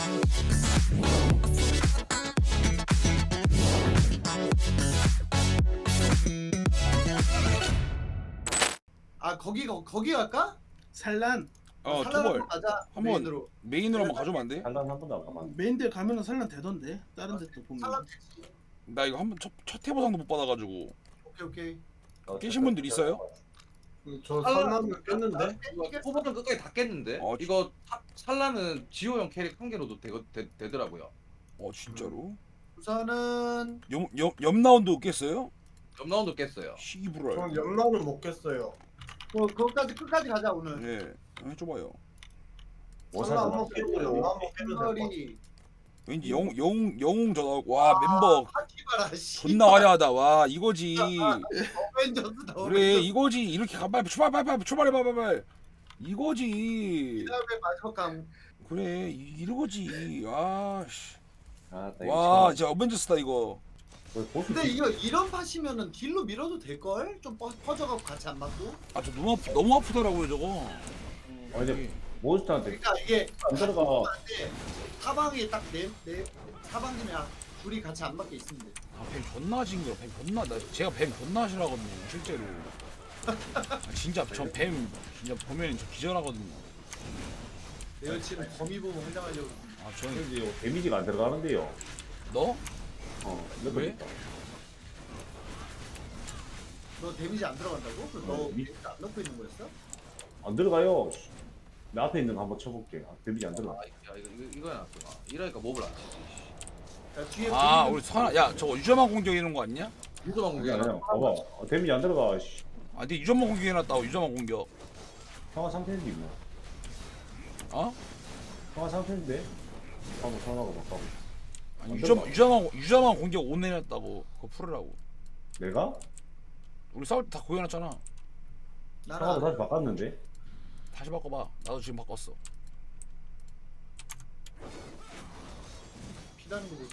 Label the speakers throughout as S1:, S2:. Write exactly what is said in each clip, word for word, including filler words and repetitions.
S1: 아 거기 거, 거기 갈까?
S2: 산란
S3: 어
S1: 산란
S3: 투벌
S1: 한번 가자.
S3: 한번
S1: 메인으로.
S3: 메인으로 한번 가져오면 안 돼?
S4: 한단 한 번도 안 가봤는데.
S2: 메인들 가면은 산란 되던데 다른 데또 보면.
S1: 산란
S3: 나 이거 한번 첫, 첫 해보상도 못 받아가지고.
S1: 오케이 오케이.
S3: 깨신 분들 있어요?
S5: 저 산란을 깼는데?
S6: 이거 초보는 끝까지 다 깼는데
S3: 어,
S6: 이거 사- 살라는 지호형 캐릭 한 개로도 되, 되, 되더라고요.
S3: 어 진짜로?
S1: 우선은
S3: 옆옆옆 라운드 깼어요?
S6: 옆 라운드 깼어요.
S3: 시부랄.
S5: 전 연락을 못 깼어요.
S1: 뭐 그거까지 끝까지 가자 오늘.
S3: 네, 해줘봐요.
S5: 산란 한번 깼고 연락 한번 깼는데.
S1: 흰머리.
S3: 왠지 영웅 영웅 영웅 전화 와 멤버
S1: 하키바라 씨.
S3: 존나 화려하다. 와 이거지.
S1: 어벤져스다.
S3: 그래 이거지. 이렇게 가빨 출발 빨리 출발해 봐 빨리. 이거지.
S1: 그다음에 마지막 강.
S3: 그래 이- 이거지. 아씨.
S4: 아, 나 이거
S3: 와
S4: 처음-
S3: 진짜 어벤져스다 이거.
S4: 거의 보스
S1: 근데 이거 이런 팟이면은 딜로 밀어도 될 걸? 좀 퍼- 퍼져갖고 같이 안 맞고.
S3: 아 저 너무 아프 너무 아프더라고요 저거.
S4: 아, 근데 몬스터한테
S1: 그러니까 이게
S4: 안 들어가.
S1: 사방이 딱네네 사방이면 둘이 같이 안 맞게 있으면 돼.
S3: 아뱀 존나 징그러. 뱀 존나 나 제가 뱀 존나 싫어하거든요 실제로. 아, 진짜 전 뱀 진짜 보면 저 기절하거든요.
S1: 내 여친은 거미 보면 환장하려고.
S3: 아 저는
S4: 근데 이거 데미지가 안 들어가는데요.
S3: 너?
S4: 어,
S3: 왜?
S1: 너 데미지 안 들어간다고? 그럼 너
S4: 어, 미-
S1: 데미지 안 넣고 있는 거였어?
S4: 안 들어가요. 내 앞에 있는 거 한번 쳐볼게. 아, 데미지 안 들어가.
S6: 아, 야 이거 이거 이거 해놨구나. 이러니까 몹을 안 치지.
S1: 야, 뒤에
S3: 아
S1: 보이는
S3: 우리 선아 야 저거 유저만 공격이는 거 아니냐?
S6: 유도만
S4: 그게
S6: 공개
S4: 아니야.
S6: 안
S4: 봐봐. 어, 데미지 안 들어가. 씨.
S3: 아 근데 유저만 공격해놨다고 유저만 공격.
S4: 상하 상태인데 뭐.
S3: 어?
S4: 상하 상태인데. 한번 상하고 바꿔.
S3: 아니
S4: 안
S3: 유저
S4: 들어가.
S3: 유저만 유저만 공격 오 내놨다고 그거 풀으라고.
S4: 내가?
S3: 우리 싸울 때 다 구해놨잖아.
S4: 상하고
S1: 나라
S4: 다시 바꿨는데.
S3: 다시 바꿔봐. 나도 지금 바꿨어.
S1: 피다는 거 보지.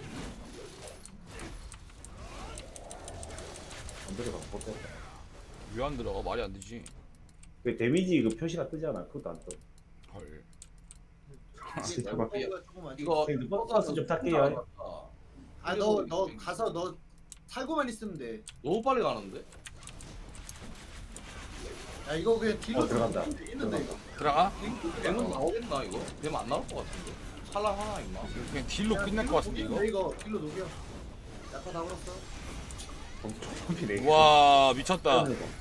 S4: 안 들어가. 못 됐다.
S3: 왜 안 들어가? 말이 안 되지.
S4: 그 데미지 그 표시가 뜨잖아. 그것도 안 떠.
S3: 헐.
S4: 진짜
S1: 이거
S4: 막-
S1: 조금 아직-
S6: 이거
S4: 형님, 버스 좀 탈게요.
S1: 아, 너, 너 가서 너 살고만 있으면 돼.
S6: 너무 빨리 가는데?
S1: 야, 이거 그냥 딜로
S4: 어, 들어간다.
S1: 들어가면 되겠는데, 이거.
S3: 들어가?
S6: 뱀은 나오겠나 이거? 뱀 안 나올 것 같은데. 살라 하나 임마.
S3: 그냥 딜로 끝날 것 같은데 이거.
S1: 녹이면 돼, 이거 딜로 녹여. 약간 다 걸었어.
S4: 네.
S3: 와 미쳤다.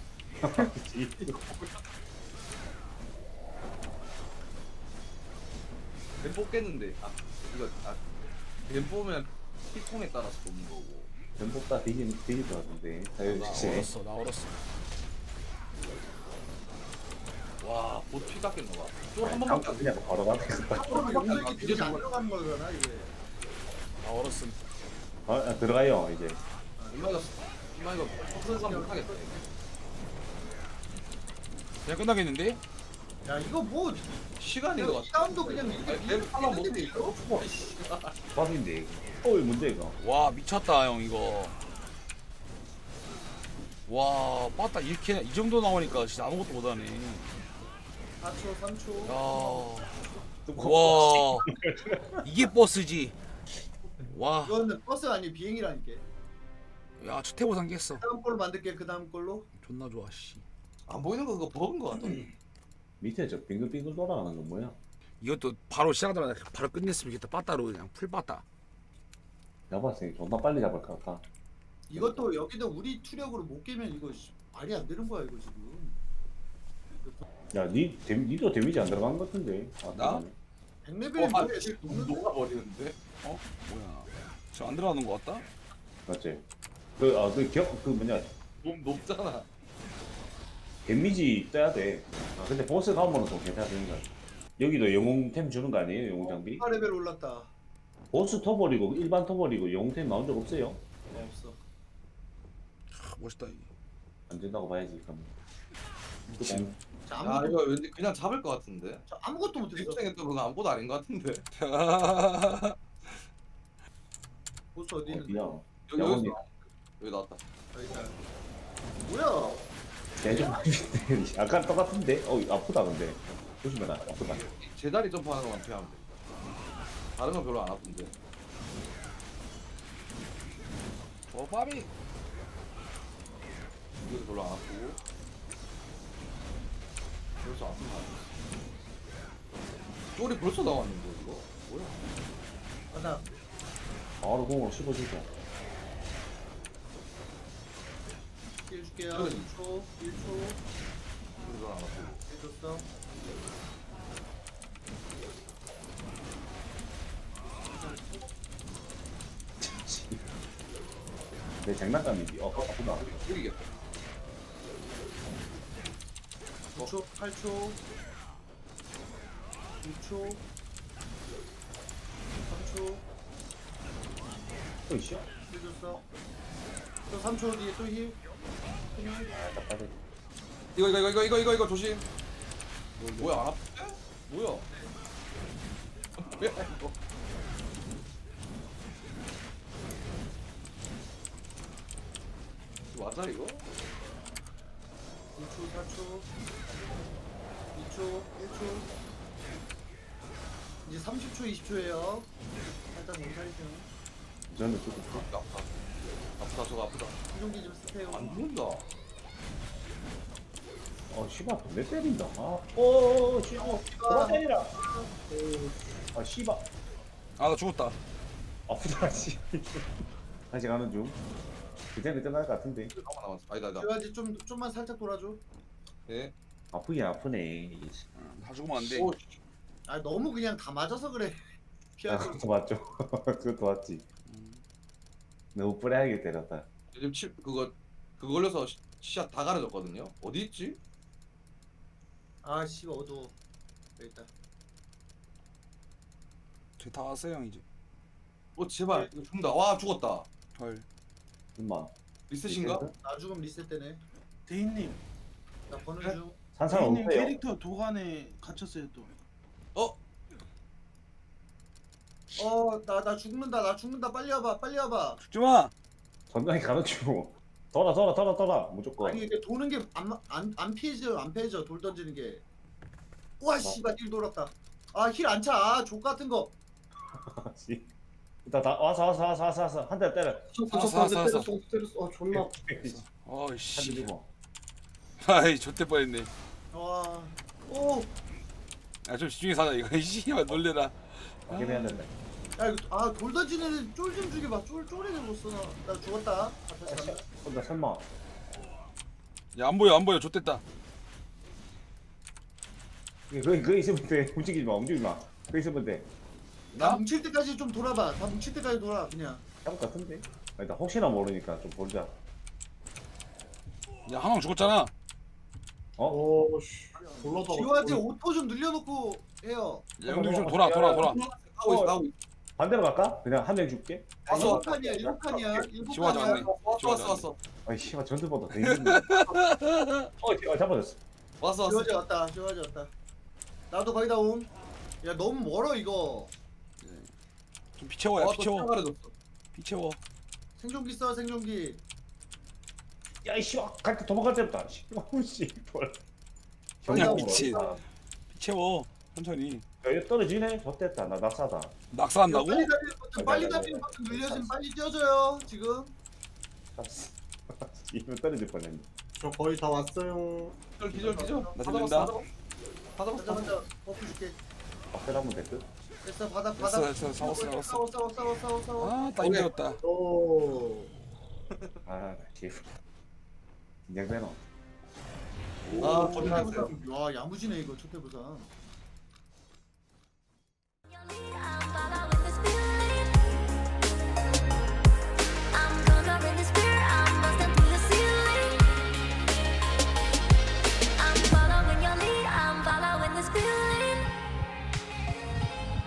S6: 뱀 뽑겠는데. 아 이거 아뱀 뽑으면 피통에 따라서 뽑는 거고.
S4: 전복다 뒤질 뒤질 것 같은데.
S3: 나
S4: 자유시.
S3: 얼었어 나 얼었어.
S6: 와, 못 피 깎겠나 봐. 쫄한
S4: 한
S6: 번밖에 안 돼.
S4: 그냥 바로 가겠다.
S1: 앞으로 용력이 딜이 안 들어가는 거잖아, 이게.
S3: 나 얼었음.
S4: 아, 아, 들어가요 이제.
S6: 임마 이거 임마 이거 퍼센트 못 하겠다.
S3: 그냥 끝나겠는데?
S1: 야, 이거 뭐,
S6: 시간인 것
S1: 이
S6: 같아.
S1: 다운도 그냥 이렇게
S6: 아니, 뱀 하나 못
S1: 밀리는데,
S6: 이겨.
S1: 이거?
S4: 밥인데 이거. 어이 뭔데 이거.
S3: 와 미쳤다 형 이거. 와 빠따 이렇게 이 정도 나오니까 진짜 아무것도 못하네.
S1: 사 초, 삼 초.
S3: 야. 와 이게 버스지. 와.
S1: 이거는 버스가 아니고 비행이라니까.
S3: 야 주태보상 깼어.
S1: 그 다음 걸로 만들게, 그 다음 걸로.
S3: 존나 좋아 씨.
S6: 안 보이는 거 그거 버그인 것 같아.
S4: 밑에 저 빙글빙글 돌아가는 건 뭐야?
S3: 이것도 바로 시작하자마자 바로 끝냈으면 좋겠다. 빠따로 그냥 풀 빠따.
S4: 잡았으니 존나 빨리 잡을 것 같아.
S1: 이것도 여기도 우리 투력으로 못 깨면 이거 씨, 말이 안 되는 거야, 이거 지금.
S4: 야, 니 데, 니도 데미지 안 들어간 것 같은데. 아,
S6: 나?
S1: 백 레벨이
S6: 어,
S1: 뭐야,
S6: 아,
S1: 지금 녹는
S6: 녹아 버리는데?
S3: 어? 뭐야? 저 안 들어가는 거 같다?
S4: 맞지? 그, 아, 그 기억, 그 뭐냐.
S6: 너무 높잖아.
S4: 데미지 떠야 돼. 아, 근데 보스 가면은 좀 괜찮은 거야. 여기도 영웅템 주는 거 아니에요? 영웅 장비?
S1: 사 레벨 올랐다.
S4: 보스 터버리고 일반 터버리고 영웅템 나온 적 없어요?
S1: 어, 없어.
S3: 아, 멋있다 이게.
S4: 안 된다고 봐야지 그럼.
S3: 미친.
S1: 자,
S6: 야
S1: 아무것도,
S6: 이거 왠지 그냥 잡을 것 같은데.
S1: 자, 아무것도 못했어.
S6: 생했던 그거 아무것도 아닌 것 같은데.
S1: 보스 어디 있는데?
S4: 어디야?
S6: 여기
S4: 야,
S6: 여기
S4: 언니.
S6: 있어. 여기 나왔다.
S1: 여기 있다. 뭐야?
S4: 대좀 약간 똑같은데? 어, 아프다 근데. 조심해라. 아프다.
S6: 제자리 점프하는 것만 피하면 돼. 다른 건 별로 안 아픈데.
S3: 조밥이
S6: 이것도 별로 안 아프고. 벌써 아픈 거 아니야? 쫄이 벌써 나왔는데 이거? 뭐야?
S1: 바닥.
S4: 바로 공으로 씹어주죠.
S1: 일 줄게요.
S6: 그래.
S1: 일 초. 일 초.
S6: 이거 안 아프고.
S1: 일 줬어.
S4: 내 장난감이지. 어, 아프다.
S6: 이기겠다.
S1: 구 초. 팔 초. 이 초. 삼 초.
S4: 또 있어?
S1: 일 줬어. 또 삼 초 뒤에 또 힐. 힐.
S4: 아, 답답해.
S6: 이거 이거 이거 이거 이거 이거 조심. 뭐야 안 아픈데? 뭐야? 뭐야 이거? 이거 맞아 이거?
S1: 이 초. 사 초. 이 초. 일 초. 이제 삼십 초. 이십 초예요. 살짝 몸살이죠.
S4: 저는 조금
S6: 아프다 아프다 아프다 저거 아프다.
S1: 수종기 좀 쓰세요.
S6: 안 죽는다.
S4: 어, 씨발, 내 때린다. 아, 오, 씨, 어, 그만 때리라. 아, 씨발.
S3: 아 나 죽었다.
S4: 아프다, 씨. 다시 가는 중. 그때는 끝날 것 같은데.
S6: 얼마 남았어? 아니다 아니다.
S1: 지화지 좀 좀만 살짝 돌아줘.
S6: 네.
S4: 아프긴 아프네. 이게.
S3: 다 죽으면 안 돼.
S6: 오,
S1: 아 너무 그냥 다 맞아서 그래.
S4: 아,
S1: 피하고.
S4: 그것도 맞죠. 그것도 맞지. 너무 뿌레하게 때렸다.
S6: 요즘 치 그거 그거 걸려서 시- 시야 다 가려졌거든요. 어디 있지?
S1: 아 씨 어두워. 여기 있다.
S3: 저희 다 왔어요 형 이제.
S6: 어 제발 이거 죽는다. 와 죽었다.
S3: 헐.
S4: 엄마.
S6: 리셋인가?
S1: 나 죽음 리셋되네.
S2: 대인님,
S1: 나 버는
S6: 그래?
S1: 중.
S4: 산상
S2: 대인님
S4: 없어요.
S2: 캐릭터 도관에 갇혔어요 또.
S6: 어?
S1: 어나 나 죽는다. 나 죽는다. 빨리 와봐. 빨리 와봐.
S3: 죽지 마.
S4: 전장에 가르치고. 돌아, 돌아, 돌아, 돌아. 무조건.
S1: 아니 이게 도는 게 안 안 안 피해져. 안 피해져. 돌 던지는 게. 우와 씨발 힐 돌았다. 아 힐 안 차. 아, 족 같은 거.
S4: 씨. 일단 다 와서, 와서, 와서, 와서, 와서. 한 대 때려.
S3: 알았어, 알았어, 알았어.
S5: 때렸어 때렸어. 아 존나.
S4: 한 대
S3: 어이씨.
S4: 주고.
S3: 아이 좆대 뻔했네.
S1: 와. 오.
S3: 야좀 집중해서 하자 이거. 씨발 놀래라.
S4: 어떻게 해야 된다.
S1: 야 이거 아돌 던지는 쫄 좀 죽여봐. 쫄 쫄이는 못 써. 나 죽었다. 앞에서 간다.
S4: 혼자 설마.
S3: 야 안 보여 안 보여 좆됐다.
S4: 그거, 그거 있으면 돼. 움직이지 마, 움직이지 마. 그거 있으면 돼.
S1: 다
S3: 나?
S1: 뭉칠 때까지 좀 돌아봐. 다 뭉칠 때까지 돌아 그냥.
S4: 잡을 것 같은데? 일단 혹시나 모르니까 좀 보자.
S3: 야 한왕 죽었잖아.
S4: 어?
S5: 오씨. 올라다.
S1: 지화지 오토 좀 늘려놓고 해요.
S3: 야 형님 좀 돌아 돌아 돌아.
S6: 하고 있어 하고 있어.
S4: 반대로 갈까? 그냥 한 명 줄게.
S6: 왔어.
S1: 일곱 칸이야. 일곱 칸이야. 일곱
S3: 지화지
S1: 칸이야.
S3: 왔네.
S6: 왔어 왔어 왔어
S4: 아이 씨발 전투보다 더 힘든데. 어, 어 잡아줬어.
S6: 왔어 왔어.
S1: 지화지 왔다. 지화지 왔다. 나도 거의 다 옴. 야 너무 멀어 이거.
S3: 좀 비채워 야
S6: 와또
S3: 비채워.
S6: 시야 가려졌어.
S3: 비채워.
S1: 생존기 써 생존기.
S4: 야, 이 씨발 갈때 도망갈 때부터. 씨발 씨발.
S3: 야,
S4: 형님,
S3: 미친.
S4: 아,
S3: 비채워. 천천히.
S4: 야, 이거 떨어지네. 좋됐다. 나 낙사다.
S3: 낙사한다고?
S1: 빨리 달리는 버튼 빨리 달리는 버튼 늘려주면 빨리 뛰어줘요 지금.
S4: 이거 떨어질 뻔했네.
S5: 저 거의 다 왔어요.
S6: 기절 기절 기절.
S3: 나
S6: 다
S3: 들린다.
S6: 잡았어, 다
S1: 먼저
S6: 잡았어.
S1: 먼저 버프 줄게.
S4: 앞에 한번 됐든.
S1: 됐어 바닥
S3: 됐어
S1: 바닥.
S3: 됐어 싸웠어 싸웠어.
S1: 싸워 싸워 싸워 싸워 싸워.
S3: 아딱 힘들었다.
S5: 오.
S4: 아, 씨발. 긴장되노.
S6: 아,
S1: 첫
S6: 거짓말.
S1: 해보상. 와 야무지네 이거 첫 해보상.